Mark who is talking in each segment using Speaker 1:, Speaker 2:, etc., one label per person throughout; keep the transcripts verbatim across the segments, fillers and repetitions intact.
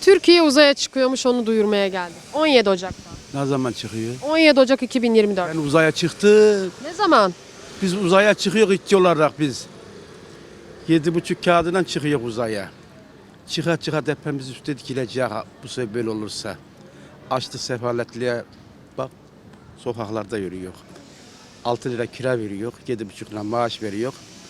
Speaker 1: Türkiye uzaya çıkıyormuş, onu duyurmaya geldik. on yedi Ocak'ta.
Speaker 2: Ne zaman çıkıyor?
Speaker 1: on yedi Ocak iki bin yirmi dört.
Speaker 2: Ben uzaya çıktı.
Speaker 1: Ne zaman?
Speaker 2: Biz uzaya çıkıyor işçi olarak biz. Yedi buçuk kağıdından çıkıyor uzaya. Çıka çıka hepimiz üstte dikileceğiz bu sefer böyle olursa. Açlık sefaletliğe bak sokaklarda yürüyor. altı lira kira veriyor, yedi buçuk lira maaş veriyor.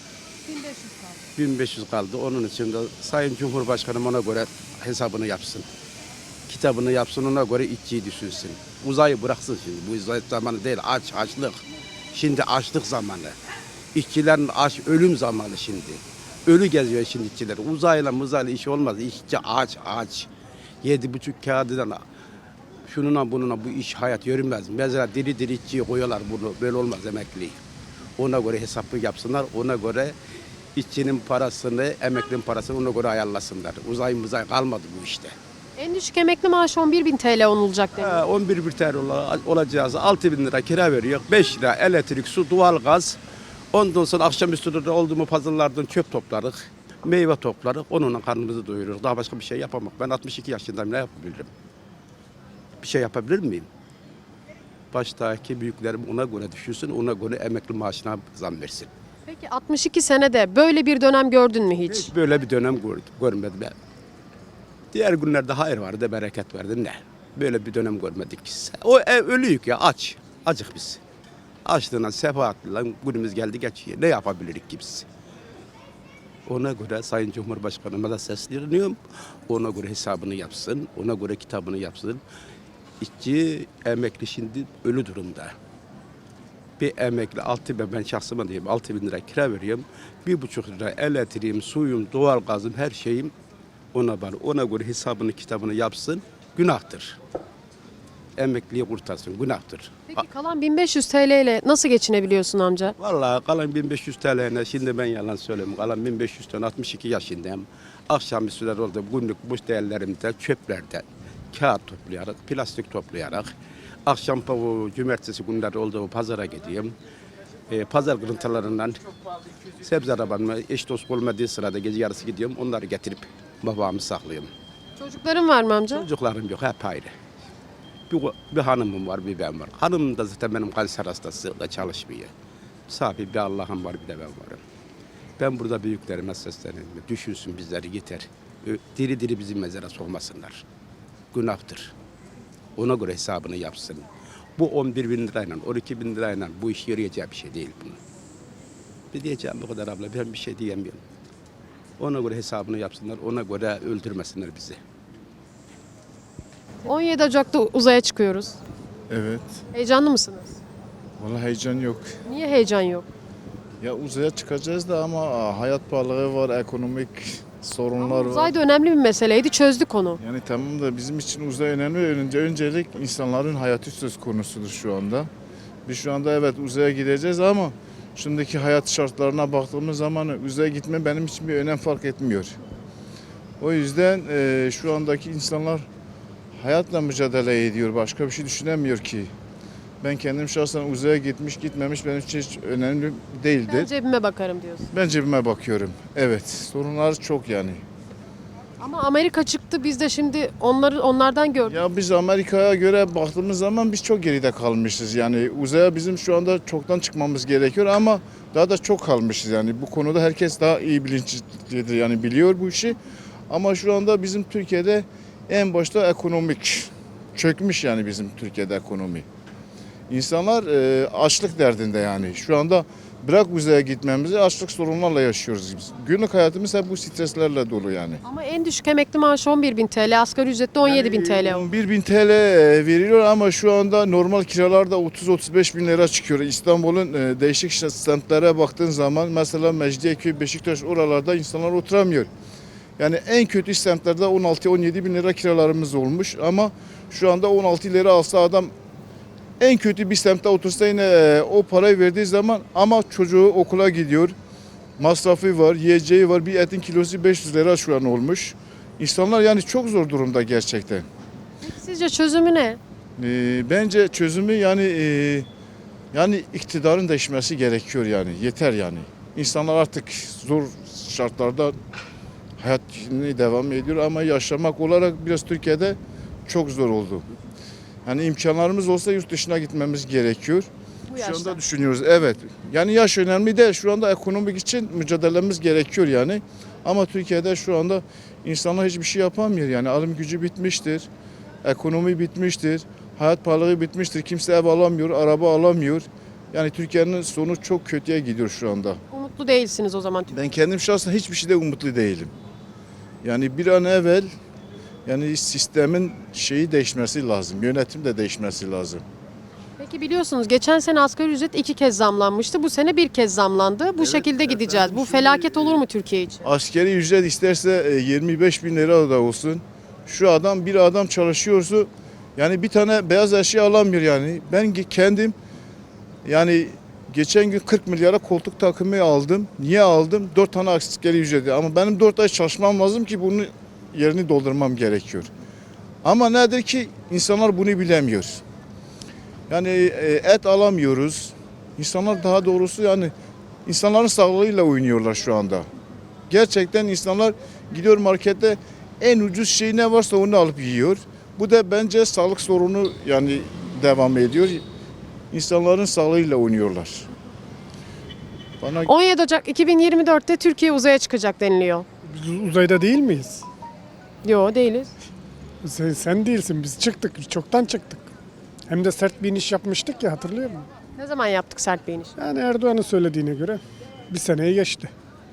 Speaker 2: bin beş yüz kaldı. Onun için de Sayın Cumhurbaşkanım ona göre hesabını yapsın. Kitabını yapsın, ona göre işçiyi düşünsün. Uzayı bıraksın şimdi. Bu uzay zamanı değil, aç, açlık. Şimdi açlık zamanı. İşçilerin aç, ölüm zamanı şimdi. Ölü geziyor şimdi işçiler. Uzayla muzayla iş olmaz. İşçi aç, aç. Yedi buçuk kağıdından şununla bununla bu iş hayat yürümez. Mesela diri diri işçiyi koyuyorlar bunu. Böyle olmaz emekli. Ona göre hesaplı yapsınlar. Ona göre işçinin parasını, emeklinin parasını ona göre ayarlasınlar. Uzay muzay kalmadı bu işte.
Speaker 1: En düşük emekli maaşı on bir bin T L olacak deniyor.
Speaker 2: Ha, on bir bir tane olacağız. altı bin lira kira veriyor. beş lira elektrik, su, doğalgaz. Ondan sonra akşamüstü de oldu mu pazarlardan çöp toplarız. Meyve toplarız. Onunla karnımızı doyururuz. Daha başka bir şey yapamam. Ben altmış iki yaşındayım. Ne yapabilirim? Bir şey yapabilir miyim? Baştaki büyüklerim ona göre düşünsün. Ona göre emekli maaşına zam versin.
Speaker 1: Peki altmış iki senede böyle bir dönem gördün mü hiç?
Speaker 2: Hiç böyle bir dönem gör- görmedim ben. Diğer günlerde hayır vardı, bereket vardı. Ne? Böyle bir dönem görmedik. O ev ölüyük ya, aç. Acık biz. Açlığına, sefaatla günümüz geldi geçiyor. Ne yapabilirik ki biz? Ona göre Sayın Cumhurbaşkanıma da sesleniyorum. Ona göre hesabını yapsın, ona göre kitabını yapsın. İşçi, emekli şimdi ölü durumda. Bir emekli altı bin, ben şahsıma diyeyim altı bin lira kira veriyorum. Bir buçuk lira elektriğim, suyum, doğalgazım, her şeyim ona var. Ona göre hesabını kitabını yapsın. Günahtır. Emekliyi kurtarsın. Günahtır.
Speaker 1: Peki kalan bin beş yüz T L ile nasıl geçinebiliyorsun amca?
Speaker 2: Vallahi kalan bin beş yüz T L'ne şimdi ben yalan söyleyeyim. Kalan bin beş yüz tane altmış iki yaşındayım. Akşam üstüler oldu günlük boş değerlerimde çöplerden kağıt toplayarak, plastik toplayarak akşam bu cumartesi günleri olduğu pazara gidiyorum. E, pazar kırıntılarından sebze arabamla eş dost olmadığı sırada gece yarısı gidiyorum. Onları getirip babamı saklıyorum.
Speaker 1: Çocukların var mı amca?
Speaker 2: Çocuklarım yok, hep ayrı. Bir, bir hanımım var, bir ben var. Hanımım da zaten benim kanser hastası, da çalışmıyor. Safi bir Allah'ım var, bir de ben varım. Ben burada büyüklerime sesleniyorum. Düşünsün bizleri yeter. Ö- Diri diri bizi mezara sokmasınlar. Günahtır. Ona göre hesabını yapsın. Bu on bir bin lirayla, on iki bin lirayla bu iş yürüyeceği bir şey değil bunun. Bir diyeceğim bu kadar abla, ben bir şey diyemiyorum. Ona göre hesabını yapsınlar, ona göre öldürmesinler bizi.
Speaker 1: on yedi Ocak'ta uzaya çıkıyoruz.
Speaker 3: Evet.
Speaker 1: Heyecanlı mısınız?
Speaker 3: Vallahi heyecan yok.
Speaker 1: Niye heyecan yok?
Speaker 3: Ya uzaya çıkacağız da ama hayat pahalılığı var, ekonomik sorunlar var.
Speaker 1: Uzay da önemli bir meseleydi, çözdük onu.
Speaker 3: Yani tamam da bizim için uzay önemli. Önce öncelik insanların hayatı söz konusudur şu anda. Biz şu anda evet uzaya gideceğiz ama şimdiki hayat şartlarına baktığımız zaman uzaya gitme benim için bir önem fark etmiyor. O yüzden e, şu andaki insanlar hayatla mücadele ediyor. Başka bir şey düşünemiyor ki. Ben kendim şahsen uzaya gitmiş gitmemiş benim için hiç önemli değildir.
Speaker 1: Ben cebime bakarım diyorsun.
Speaker 3: Ben cebime bakıyorum. Evet, sorunlar çok yani.
Speaker 1: Ama Amerika çıktı, biz de şimdi onları onlardan gördük.
Speaker 3: Ya biz Amerika'ya göre baktığımız zaman biz çok geride kalmışız. Yani uzaya bizim şu anda çoktan çıkmamız gerekiyor ama daha da çok kalmışız yani. Bu konuda herkes daha iyi bilinçlidir yani biliyor bu işi. Ama şu anda bizim Türkiye'de en başta ekonomik çökmüş yani bizim Türkiye'de ekonomi. İnsanlar e, açlık derdinde yani. Şu anda bırak uzaya gitmemizi açlık sorunlarla yaşıyoruz biz. Günlük hayatımız hep bu streslerle dolu yani.
Speaker 1: Ama en düşük emekli maaşı on bir bin T L, asgari ücrette on yedi bin T L.
Speaker 3: on bir bin T L veriliyor ama şu anda normal kiralarda otuz otuz beş bin lira çıkıyor. İstanbul'un e, değişik semtlere baktığın zaman mesela Mecidiyeköy, Beşiktaş oralarda insanlar oturamıyor. Yani en kötü semtlerde on altı on yedi bin lira kiralarımız olmuş ama şu anda on altı lira alsa adam en kötü bir semtte otursa yine e, o parayı verdiği zaman ama çocuğu okula gidiyor. Masrafı var, yiyeceği var. Bir etin kilosu beş yüz lira şu an olmuş. İnsanlar yani çok zor durumda gerçekten.
Speaker 1: Peki sizce çözümü ne?
Speaker 3: E, bence çözümü yani e, yani iktidarın değişmesi gerekiyor yani. Yeter yani. İnsanlar artık zor şartlarda hayat şimdi devam ediyor ama yaşamak olarak biraz Türkiye'de çok zor oldu. Yani imkanlarımız olsa yurt dışına gitmemiz gerekiyor.
Speaker 1: Bu
Speaker 3: Şu
Speaker 1: yaşta.
Speaker 3: anda düşünüyoruz, evet. Yani yaş önemli değil. Şu anda ekonomik için mücadelemiz gerekiyor yani. Ama Türkiye'de şu anda insanlar hiçbir şey yapamıyor. Yani alım gücü bitmiştir. Ekonomi bitmiştir. Hayat pahalılığı bitmiştir. Kimse ev alamıyor, araba alamıyor. Yani Türkiye'nin sonu çok kötüye gidiyor şu anda.
Speaker 1: Umutlu değilsiniz o zaman.
Speaker 3: Ben kendim şahsen hiçbir şeyde umutlu değilim. Yani bir an evvel yani sistemin şeyi değişmesi lazım. Yönetim de değişmesi lazım.
Speaker 1: Peki biliyorsunuz geçen sene asgari ücret iki kez zamlanmıştı. Bu sene bir kez zamlandı. Bu şekilde gideceğiz. Bu felaket olur mu Türkiye için?
Speaker 3: Askeri ücret isterse e, yirmi beş bin lira da olsun. Şu adam bir adam çalışıyorsa yani bir tane beyaz eşya alamıyor yani. Ben kendim yani geçen gün kırk milyara koltuk takımı aldım. Niye aldım? dört tane askeri ücreti. Ama benim dört ay çalışmam lazım ki bunun yerini doldurmam gerekiyor. Ama nedir ki insanlar bunu bilemiyor. Yani e, et alamıyoruz. İnsanlar daha doğrusu yani insanların sağlığıyla oynuyorlar şu anda. Gerçekten insanlar gidiyor markette en ucuz şey ne varsa onu alıp yiyor. Bu da bence sağlık sorunu yani devam ediyor. İnsanların sağlığıyla oynuyorlar. Bana
Speaker 1: on yedi Ocak iki bin yirmi dörtte Türkiye uzaya çıkacak deniliyor.
Speaker 4: Biz uzayda değil miyiz?
Speaker 1: Yo değiliz.
Speaker 4: Sen, sen değilsin. Biz çıktık. Biz çoktan çıktık. Hem de sert bir iniş yapmıştık ya, hatırlıyor musun?
Speaker 1: Ne zaman yaptık sert bir iniş?
Speaker 4: Yani Erdoğan'ın söylediğine göre bir seneyi geçti.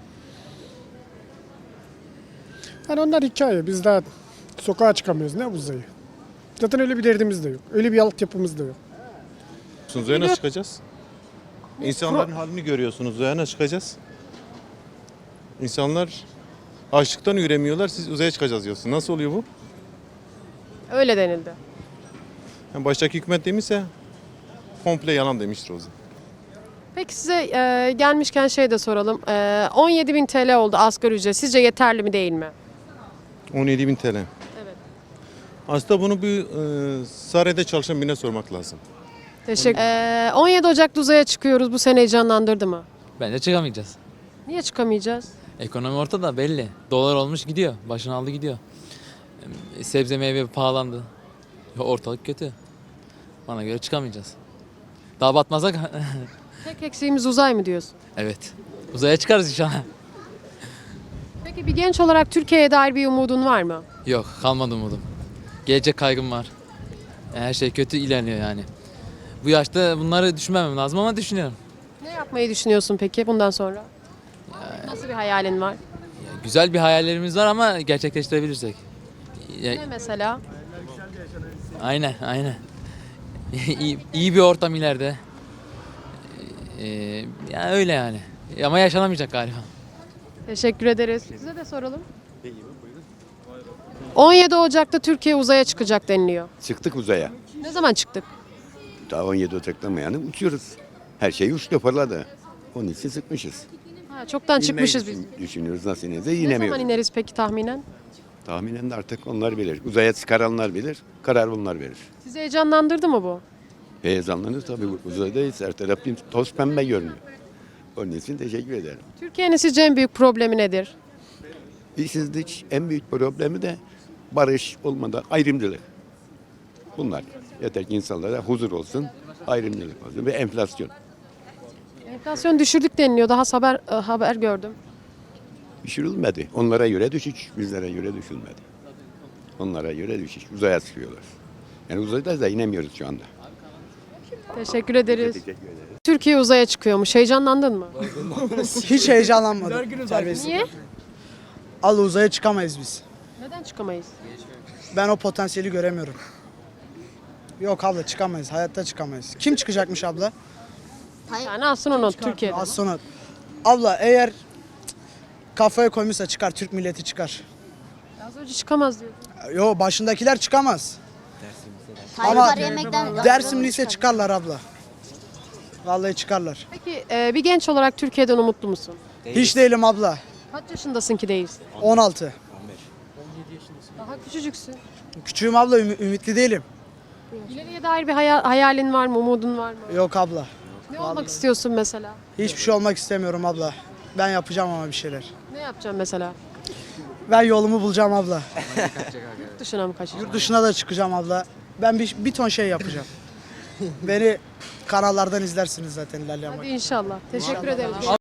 Speaker 4: Yani onlar hikaye. Biz daha sokağa çıkamıyoruz. Ne uzayı? Zaten öyle bir derdimiz de yok. Öyle bir altyapımız da yok.
Speaker 5: Uzaya nasıl çıkacağız? İnsanların halini görüyorsunuz. Uzaya nasıl çıkacağız? İnsanlar açlıktan üremiyorlar. Siz uzaya çıkacağız diyorsunuz. Nasıl oluyor bu?
Speaker 1: Öyle denildi.
Speaker 5: Yani baştaki hükümet demişse komple yalan demiştir o zaman.
Speaker 1: Peki size e, gelmişken şey de soralım. E, on yedi bin T L oldu asgari ücret. Sizce yeterli mi değil mi?
Speaker 5: on yedi bin T L.
Speaker 1: Evet.
Speaker 5: Aslında bunu bir e, Sare'de çalışan birine sormak lazım.
Speaker 1: Teşekkür. E, on yedi Ocak'ta uzaya çıkıyoruz. Bu sene heyecanlandırdı mı?
Speaker 6: Bence çıkamayacağız.
Speaker 1: Niye çıkamayacağız?
Speaker 6: Ekonomi ortada belli. Dolar olmuş gidiyor. Başını aldı gidiyor. Em, Sebze meyve pahalandı. Ortalık kötü. Bana göre çıkamayacağız. Daha batmazsak
Speaker 1: Tek eksiğimiz uzay mı diyorsun?
Speaker 6: evet. Uzaya çıkarız inşallah.
Speaker 1: Peki bir genç olarak Türkiye'ye dair bir umudun var mı?
Speaker 6: Yok, kalmadı umudum. Gelecek kaygım var. Her şey kötü ilerliyor yani. Bu yaşta bunları düşünmemem lazım ama düşünüyorum.
Speaker 1: Ne yapmayı düşünüyorsun peki bundan sonra? Nasıl bir hayalin var?
Speaker 6: Ya, güzel bir hayallerimiz var ama gerçekleştirebilirsek. Ya,
Speaker 1: Ne mesela?
Speaker 6: aynen, aynen. iyi, iyi bir ortam ileride. Ee, yani öyle yani. Ama yaşanamayacak galiba.
Speaker 1: Teşekkür ederiz. Size de soralım. on yedi Ocak'ta Türkiye uzaya çıkacak deniliyor.
Speaker 7: Çıktık uzaya.
Speaker 1: Ne zaman çıktık?
Speaker 7: Daha on yedi Ocak'tan mı yani uçuyoruz. Her şey uçtu fırladı. Onun için sıkmışız.
Speaker 1: Ha, çoktan çıkmışız biz.
Speaker 7: İnmeyi düşün- Düşünüyoruz nasıl ineceğiz
Speaker 1: Ne zaman
Speaker 7: inemiyoruz.
Speaker 1: ineriz peki tahminen?
Speaker 7: Tahminen de artık onlar bilir. Uzaya çıkaranlar bilir. Karar bunlar verir.
Speaker 1: Sizi heyecanlandırdı mı bu?
Speaker 7: Heyecanlanır tabii uzaydayız. Her taraf bir toz pembe görünüyor. Onun için teşekkür ederim.
Speaker 1: Türkiye'nin sizce en büyük problemi nedir?
Speaker 7: İşsizlik en büyük problemi de barış olmadan ayrımcılık. Bunlar. Yeter ki insanlara huzur olsun, ayrımcılık olsun ve enflasyon.
Speaker 1: Enflasyon düşürdük deniliyor. Daha haber e, haber gördüm.
Speaker 7: Düşürülmedi. Onlara göre düşük, bizlere göre düşülmedi. Onlara göre düşük. Uzaya çıkıyorlar. Yani uzayda da inemiyoruz şu anda.
Speaker 1: Teşekkür ederiz.
Speaker 7: Teşekkür ederim.
Speaker 1: Türkiye uzaya çıkıyormuş. Heyecanlandın mı?
Speaker 8: Hiç heyecanlanmadım. Serbest.
Speaker 1: Niye?
Speaker 8: Allah uzaya çıkamayız biz.
Speaker 1: Neden çıkamayız?
Speaker 8: Ben o potansiyeli göremiyorum. Yok abla çıkamayız. Hayatta çıkamayız. Kim çıkacakmış abla?
Speaker 1: Yani astronot Türkiye'de.
Speaker 8: Astronot. Abla eğer cık, kafaya koymuşsa çıkar. Türk milleti çıkar.
Speaker 1: Az önce çıkamaz diyor.
Speaker 8: Yo başındakiler çıkamaz.
Speaker 9: Tayyip
Speaker 8: Ama
Speaker 9: var yemekten
Speaker 8: Dersim lise çıkarlar abla. Vallahi çıkarlar.
Speaker 1: Peki e, bir genç olarak Türkiye'den umutlu musun?
Speaker 8: Hiç değilim abla.
Speaker 1: Kaç yaşındasın ki değilsin?
Speaker 8: on altı.
Speaker 1: Daha küçücüksün.
Speaker 8: Küçüğüm abla ümit- ümitli değilim.
Speaker 1: İleriye dair bir hayal- hayalin var mı, umudun var mı?
Speaker 8: Yok abla.
Speaker 1: Ne olmak istiyorsun mesela?
Speaker 8: Hiçbir şey olmak istemiyorum abla. Ben yapacağım ama bir şeyler.
Speaker 1: Ne yapacaksın mesela?
Speaker 8: Ben yolumu bulacağım abla.
Speaker 1: Yurt dışına mı kaçacaksın?
Speaker 8: Yurt dışına da çıkacağım abla. Ben bir, bir ton şey yapacağım. Beni kanallardan izlersiniz zaten ilerleyen
Speaker 1: Hadi
Speaker 8: vakit.
Speaker 1: inşallah. Teşekkür ederim.